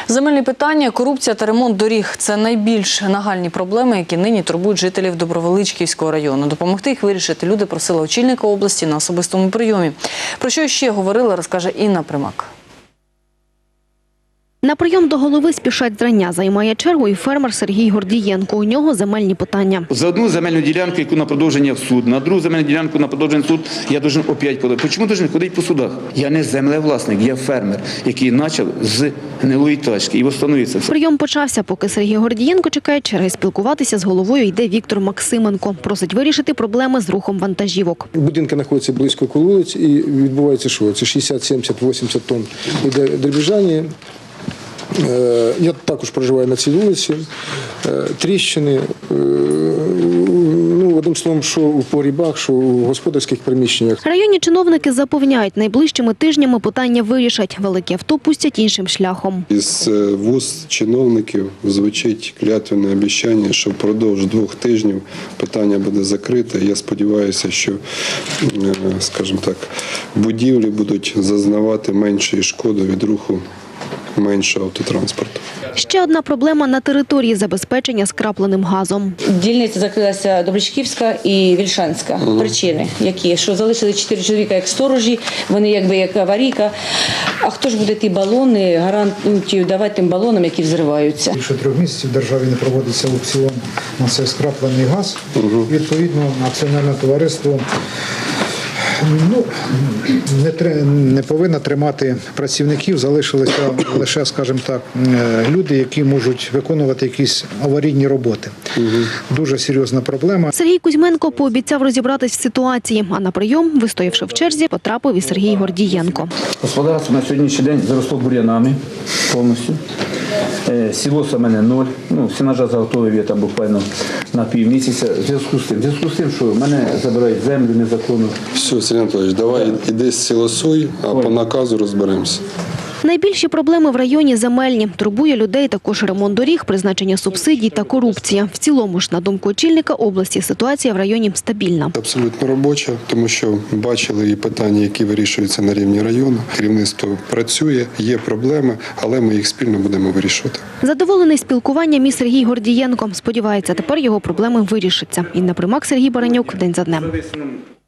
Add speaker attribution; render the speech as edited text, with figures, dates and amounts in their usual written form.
Speaker 1: Земельні питання, корупція та ремонт доріг – це найбільш нагальні проблеми, які нині турбують жителів Добровеличківського району. Допомогти їх вирішити люди просили очільника області на особистому прийомі. Про що ще говорили, розкаже Інна Примак.
Speaker 2: На прийом до голови спішать зрання. Займає чергу і фермер Сергій Гордієнко. У нього земельні питання.
Speaker 3: За одну земельну ділянку, яку на продовження в суд, на другу земельну ділянку на продовження в суд, я должен опять подати. Чому должен ходити по судах? Я не землевласник, я фермер, який почав з гнилої тачки і встановився.
Speaker 2: Прийом почався, поки Сергій Гордієнко чекає черги. Спілкуватися з головою йде Віктор Максименко. Просить вирішити проблеми з рухом вантажівок.
Speaker 4: Будинки знаходяться близько коло вулиць і відбувається що? Це 60, 70, 80 тонн іде дребіжання. Я також проживаю на цій вулиці, тріщини, одним словом, що у погрібах, що у господарських приміщеннях.
Speaker 2: Районні чиновники запевняють, найближчими тижнями питання вирішать. Великі авто пустять іншим шляхом.
Speaker 5: Із вуст чиновників звучить клятвене обіцяння, що впродовж 2 тижнів питання буде закрите. Я сподіваюся, що, скажімо так, будівлі будуть зазнавати меншої шкоди від руху меншого автотранспорту.
Speaker 2: Ще одна проблема на території забезпечення скрапленим газом.
Speaker 6: Дільниця закрилася Добричківська і Вільшанська. Причини які? Що залишили 4 чоловіка як сторожі, вони якби як аварійка. А хто ж буде ті балони, гарантію давати тим балонам, які взриваються?
Speaker 7: Більше 3 місяців в державі не проводиться аукціон на цей скраплений газ. Відповідно, акціонерне товариство не повинна тримати працівників, залишилися лише, скажімо так, люди, які можуть виконувати якісь аварійні роботи. Дуже серйозна проблема.
Speaker 2: Сергій Кузьменко пообіцяв розібратись в ситуації, а на прийом, вистоявши в черзі, потрапив і Сергій Гордієнко.
Speaker 8: Господарство на сьогоднішній день заросло бур'янами повністю. Сілоса в мене 0, сінажа заготовив я там буквально на півмісяця. В зв'язку з тим, що в мене забирають землю незаконно.
Speaker 5: Все, Сергій Анатолійович, давай іди сілосуй, а по наказу розберемося.
Speaker 2: Найбільші проблеми в районі земельні. Турбує людей також ремонт доріг, призначення субсидій та корупція. В цілому ж, на думку очільника області, ситуація в районі стабільна.
Speaker 5: Абсолютно робоча, тому що бачили і питання, які вирішуються на рівні району. Керівництво працює, є проблеми, але ми їх спільно будемо вирішувати.
Speaker 2: Задоволений спілкуванням і Сергій Гордієнко. Сподівається, тепер його проблеми вирішаться. Інна Примак, Сергій Баранюк. День за днем.